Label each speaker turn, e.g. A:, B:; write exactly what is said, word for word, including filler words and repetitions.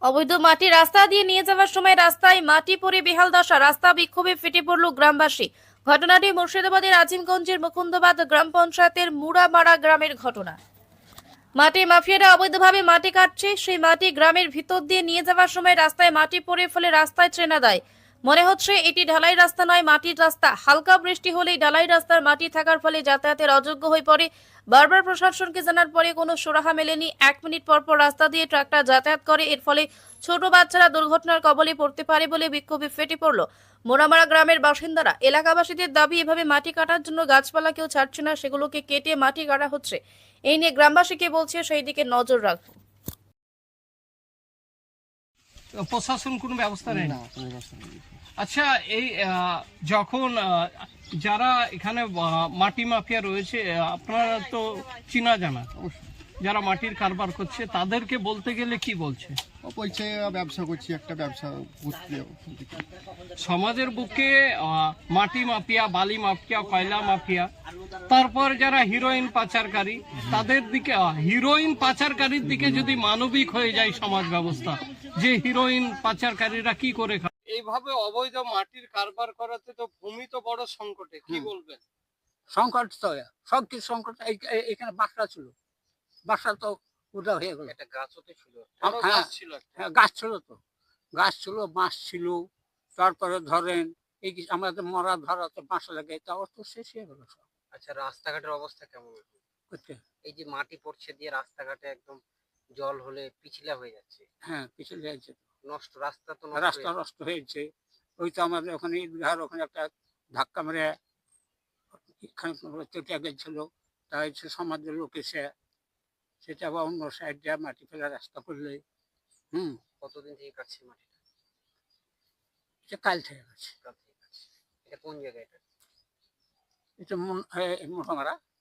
A: অবৈধ মাটি রাস্তা দিয়ে নিয়ে যাওয়ার সময় রাস্তায় মাটি পড়ে বেহাল দশা, রাস্তা বিক্ষোভে ফেটে পড়ল গ্রামবাসী। ঘটনাটি মুর্শিদাবাদের আজিমগঞ্জের মুকুন্দবাদ গ্রাম পঞ্চায়েতের মুড়ামারা গ্রামের ঘটনা। মাটি মাফিয়ারা অবৈধভাবে মাটি কাটছে, সেই মাটি গ্রামের ভিতর দিয়ে নিয়ে যাওয়ার সময় রাস্তায় মাটি পড়ে ফেলে রাস্তায় ট্রেনা দেয়। মনে হচ্ছে এটি ঢালাই রাস্তা নয়, মাটির রাস্তা। হালকা বৃষ্টি হলেই ঢালাই রাস্তার মাটি থাকার ফলে যাতায়াতের অযোগ্য হয়ে পড়ে। বারবার প্রশাসনকে জানার পরে কোনো সুরাহা মেলেনি। এক মিনিট পর পর রাস্তা দিয়ে ট্রাক্টর যাতায়াত করে, এর ফলে ছোট বাচ্চারা দুর্ঘটনার কবলে পড়তে পারে বলে বিক্ষোভে ফেটে পড়ল মোরামারা গ্রামের বাসিন্দারা। এলাকাবাসীদের দাবি, এভাবে মাটি কাটার জন্য গাছপালা কেউ ছাড়ছে না, সেগুলোকে কেটে মাটি কাটা হচ্ছে। এই নিয়ে গ্রামবাসীকে বলছে সেই দিকে নজর রাখবো।
B: প্রশাসন কোনো ব্যবস্থা নেই?
C: না, কোনো ব্যবস্থা নেই।
B: আচ্ছা, এই আহ, যখন আহ, যারা এখানে আহ, মাটি মাফিয়া রয়েছে, আহ, আপনারা তো চিনা জানা, যারা মাটির কারবার করছে তাদেরকে বলতে গেলে কি বলছে?
C: ও বলছে ব্যবসা করছি, একটা ব্যবসা করতে।
B: সমাজের বুকে আহ, মাটি মাফিয়া, বালি মাফিয়া, কয়লা মাফিয়া, তারপর যারা হিরোইন পাচারকারী, তাদের দিকে আহ, হিরোইন পাচারকারীর দিকে যদি মানবিক হয়ে যায় সমাজ ব্যবস্থা, যে হিরোইন পাচারকারীরা কি করে খায়। এইভাবে অবৈধ মাটির কারবার করাতে তো ভূমি তো বড় সংকটে, কি বলবেন?
D: সংকট তো সব কিছু সংকট। এই- এই- এখানে বাসা ছিল, বাসা তো উদা হয়ে গেল।
B: একটা গাছও তো ছিল,
D: হ্যাঁ,
B: বড় গাছ ছিল একটা।
D: হ্যাঁ, গাছ ছিল তো, গাছ ছিল, বাঁশ ছিল। তারপরে ধরেন এই যে আমাদের মরা ধরাতে বাঁশ লাগে, তাও তো শেষ হয়ে গেল সব।
E: আচ্ছা, রাস্তাঘাটের অবস্থা কেমন এখন?
D: করতে
E: এই যে মাটি পড়ছে দিয়ে রাস্তাঘাটে একদম জল হলে পিছলা হয়ে যাচ্ছে,
D: হ্যাঁ, পিছলে যাচ্ছে,
E: নষ্ট রাস্তা তো নষ্ট
D: রাস্তা
E: হয়ে
D: নষ্ট হয়েছে। ওই তো আমাদের ওখানে ঈদগাহার ওখানে একটা ধাক্কা মেরে এখানে চটিয়া গেছিল, তাই সে সমাজের লোক এসে সেটা আবার অন্য সাইড দিয়ে মাটি ফেলে রাস্তা করলে। হুম,
E: কতদিন থেকে কাটছে মাটিটা?
D: সে কাল থেকে গেছে।
E: কাল থেকে কাটছে। এটা কোন জায়গা? এটা
D: এটা মন মোটামারা